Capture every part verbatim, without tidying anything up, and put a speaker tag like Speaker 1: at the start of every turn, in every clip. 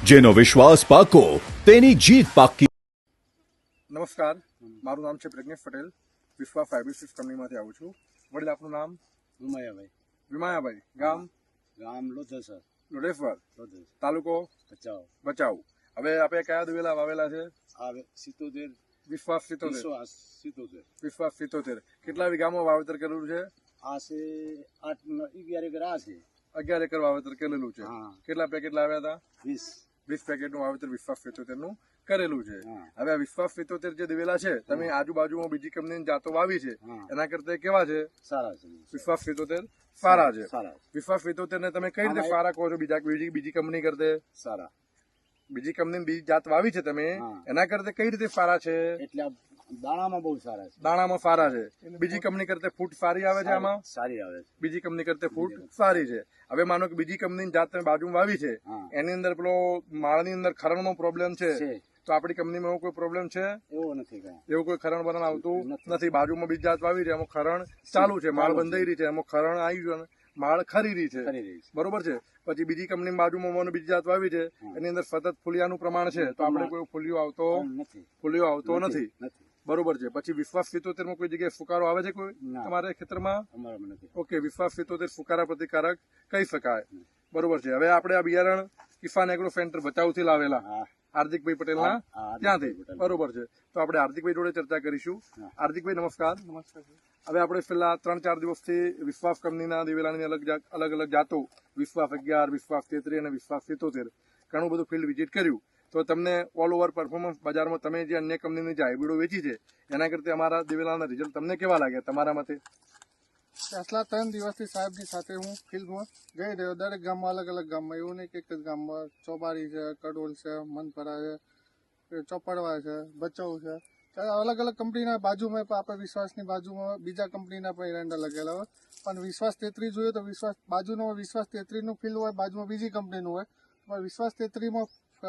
Speaker 1: જેનો વિશ્વાસ પાકો તેની જીત પાકી।
Speaker 2: નમસ્કાર, મારું નામ છે પ્રજ્ઞેશ પટેલ, વિશ્વા ફાઇબ્રિસિસ કંપનીમાંથી આવું છું। વડીલ, આપનું નામ?
Speaker 3: વિમાયાભાઈ।
Speaker 2: વિમાયાભાઈ, ગામ?
Speaker 3: ગામ લોધેસર,
Speaker 2: લોઢેશ્વર,
Speaker 3: લોધેસ,
Speaker 2: તાલુકો?
Speaker 3: ભચાઉ।
Speaker 2: ભચાઉ। હવે આપણે કયા દિવેલા વાવેલા છે?
Speaker 3: આ સિત્તોતેર
Speaker 2: વિશ્વાસ સિત્તોતેર।
Speaker 3: વિશ્વાસ સિત્તોતેર।
Speaker 2: વિશ્વાસ સિત્તોતેર કેટલા વીઘામાં વાવેતર કરેલું છે?
Speaker 3: આ છે આઠ ન- અગિયાર એકર આ છે।
Speaker 2: અગિયાર એકર વાવેતર કરેલું છે।
Speaker 3: હા।
Speaker 2: કેટલા પેકેટ લાવ્યા હતા?
Speaker 3: વીસ।
Speaker 2: વીસ પેકેટનું વાવેતર વિશ્વાસ સિત્તોતેર નું કરેલું છે।
Speaker 3: હા।
Speaker 2: હવે આ વિશ્વાસ સિત્તોતેર જે દિવેલા છે, તમે આજુબાજુમાં બીજી કંપનીની જાતો વાવી છે,
Speaker 3: હા।
Speaker 2: એના કરતા કેવા છે?
Speaker 3: સારા છે।
Speaker 2: વિશ્વાસ સિત્તોતેર સારા છે।
Speaker 3: સારા
Speaker 2: વિશ્વાસ સિત્તોતેર ને તમે કઈ રીતે
Speaker 3: આમાં એક-
Speaker 2: સારા કહો છો? બીજા બીજી બીજી કંપની કરતે
Speaker 3: સારા
Speaker 2: બીજી કંપની બીજી જાત વાવી છે તમે,
Speaker 3: હા।
Speaker 2: એના કરતા કઈ રીતે સારા છે?
Speaker 3: એટલે આ દાણામાં બહુ સારા છે।
Speaker 2: દાણામાં સારા છે। બીજી કંપની કરતા ફૂટ સારી આવે છે આમાં?
Speaker 3: સારી આવે છે।
Speaker 2: બીજી કંપની કરતા ફૂટ સારી છે। હવે માનો કે બીજી કંપનીની જાત તમે બાજુમાં વાવી છે,
Speaker 3: હા।
Speaker 2: એની અંદર પેલો માળની અંદર ખરણનો પ્રોબ્લેમ છે,
Speaker 3: છે
Speaker 2: તો આપણી કંપનીમાં એવો કોઈ પ્રોબ્લેમ છે?
Speaker 3: એવો નથી કઈ।
Speaker 2: એવું કોઈ ખરણ બરણ આવતું
Speaker 3: નથી।
Speaker 2: નથી। બાજુમાં બીજી જાત વાવી છે, એમાં ખરણ ચાલુ છે, માળ
Speaker 3: ચાલુ છે।
Speaker 2: બંધાઈ રહી છે, એમાં ખરણ આવી ગયું અને માળ ખરી રહી છે,
Speaker 3: કરી રહી છે।
Speaker 2: બરોબર છે। પછી બીજી કંપની બાજુમાં મને બીજી જાત વાવી છે,
Speaker 3: હા।
Speaker 2: એની અંદર સતત ફૂલિયાનું પ્રમાણ છે, તો આપણે કોઈ ફૂલિયો આવતો
Speaker 3: નથી
Speaker 2: ફૂલિયો આવતો નથી,
Speaker 3: નથી
Speaker 2: બરોબર છે। પછી વિશ્વાસ સિત્તોતેર માં કોઈ જગ્યાએ ફુકારો આવે છે કોઈ
Speaker 3: ના।
Speaker 2: તમારા ખેતરમાં?
Speaker 3: અમારામાં નથી।
Speaker 2: ઓકે, વિશ્વાસ સિત્તોતેર ફુકારા પ્રતિકારક કહી શકાય, બરોબર છે। હવે આપણે આ બિયારણ કિસાન એગ્રો સેન્ટર ભચાઉથી લાવેલા
Speaker 3: હા।
Speaker 2: હાર્દિકભાઈ પટેલના
Speaker 3: હા, હાર્દિકભાઈ
Speaker 2: ત્યાંથી,
Speaker 3: પટેલ।
Speaker 2: બરોબર છે। તો આપણે હાર્દિકભાઈ જોડે ચર્ચા કરીશું।
Speaker 3: હા।
Speaker 2: હાર્દિકભાઈ, નમસ્કાર। નમસ્કાર। હવે આપણે છેલ્લા ત્રણ ચાર દિવસથી વિશ્વાસ કંપનીના દિવેલાની અલગ જા- અલગ અલગ જાતો, વિશ્વાસ અગિયાર, વિશ્વાસ તેત્રીસ અને વિશ્વાસ સિત્તોતેર, ઘણું બધું ફિલ્ડ વિઝિટ કર્યું, તો તમને ઓલ ઓવર પરફોર્મન્સ બજારમાં તમે જે અન્ય કંપનીની જે હાઇબ્રિડો વેચી છે, એના કરતા અમારા દિવેલાના રિઝલ્ટ તમને કેવા લાગ્યા તમારા મતે?
Speaker 4: પાછલા ત્રણ દિવસથી સાહેબની સાથે હું ફિલ્ડમાં જઈ રહ્યો, દરેક ગામમાં અલગ અલગ ગામમાં, એવું નહીં કે એક જ ગામમાં, ચોબારી છે, કડોલ છે, મનપરા છે, ચોપડવા છે, ભચાઉ છે, ત્યારે અલગ અલગ કંપનીના બાજુમાં પણ આપણે વિશ્વાસની બાજુમાં બીજા કંપનીના પણ એરંડા લગેલા હોય, પણ વિશ્વાસ તેત્રીસ જોઈએ તો વિશ્વાસ બાજુનો હોય, વિશ્વાસ તેત્રીસનું ફિલ્ડ હોય, બાજુમાં બીજી કંપનીનું હોય, પણ વિશ્વાસ તેત્રીસમાં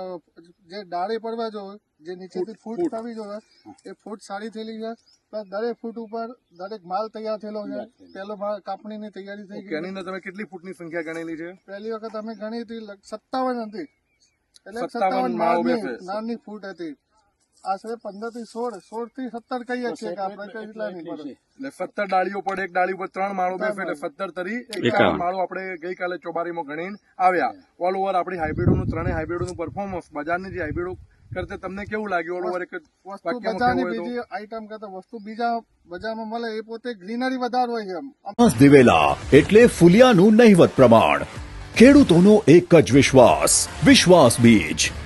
Speaker 4: જે ડાળી પડવા જોઈએ, જે નીચેથી ફૂટ થવી જોઈએ, એ ફૂટ સારી થયેલી છે, પ્લસ દરેક ફૂટ ઉપર દરેક માલ તૈયાર થયેલો છે, પહેલો માલ કાપણીની તૈયારી થઈ
Speaker 2: ઓકે,
Speaker 4: ગઈ
Speaker 2: એની અંદર તમે કેટલી ફૂટની સંખ્યા ગણેલી છે?
Speaker 4: પહેલી વખત અમે ગણી હતી લગ- સત્તાવન હતી, એટલે
Speaker 2: સત્તાવન
Speaker 4: સત્તાવન
Speaker 2: માળો
Speaker 4: નાની
Speaker 2: બેસે.
Speaker 4: નાની ફૂટ હતી। આશરે પંદર થી સોળ સોળ થી સત્તર કહીએ છીએ કે આપણે કઈ એટલા નહીં પડે।
Speaker 2: એટલે સત્તર ડાળીઓ પડે, એક ડાળી ઉપર ત્રણ માળો બેસે, એટલે સત્તર તરી એકાવન માળો આપણે ગઈકાલે ચોબારીમાં ગણીને આવ્યા। ઓલ ઓવર આપણી હાઇબ્રિડોનું ત્રણેય હાઇબ્રિડોનું પરફોર્મન્સ બજારની જે હાઇબ્રિડો કરતા તમને કેવું લાગ્યું? ઓલ ઓવર એક જ
Speaker 4: વસ્તુ
Speaker 2: વાક્યમાં
Speaker 4: બજારની
Speaker 2: કહેવું હોય તો?
Speaker 4: બીજી આઈટમ કરતા વસ્તુ બીજા બજારમાં મળે એ પોતે ગ્રીનરી વધારે હોય છે એમ।
Speaker 1: વિશ્વાસ દિવેલા એટલે ફુલિયાનું નહિવત પ્રમાણ। ખેડૂતોનો એક જ વિશ્વાસ, વિશ્વાસ બીજ।